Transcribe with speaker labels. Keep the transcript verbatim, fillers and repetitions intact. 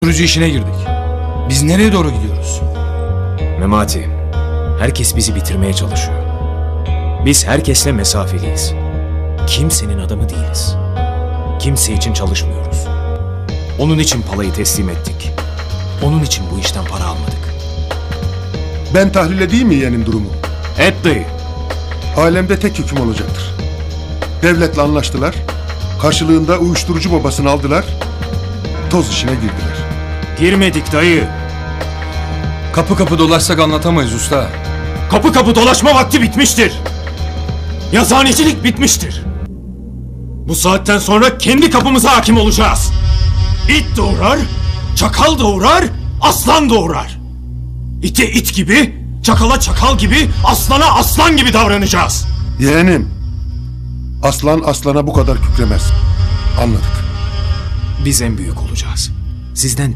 Speaker 1: uyuşturucu işine girdik. Biz nereye doğru gidiyoruz?
Speaker 2: Memati, herkes bizi bitirmeye çalışıyor. Biz herkesle mesafeliyiz. Kimsenin adamı değiliz. Kimse için çalışmıyoruz. Onun için palayı teslim ettik. Onun için bu işten para almadık.
Speaker 3: Ben tahlil edeyim mi yeğenin durumu?
Speaker 2: Et dayı.
Speaker 3: Alemde tek hüküm olacaktır. Devletle anlaştılar. Karşılığında uyuşturucu babasını aldılar. Toz işine girdiler.
Speaker 2: Girmedik dayı.
Speaker 1: Kapı kapı dolaşsak anlatamayız usta.
Speaker 2: Kapı kapı dolaşma vakti bitmiştir. Yazıhanecilik bitmiştir. Bu saatten sonra kendi kapımıza hakim olacağız. İt doğurar, çakal doğurar, aslan doğurar. İte it gibi, çakala çakal gibi, aslana aslan gibi davranacağız.
Speaker 3: Yeğenim, aslan aslana bu kadar kükremez. Anladık.
Speaker 2: Biz en büyük olacağız. Sizden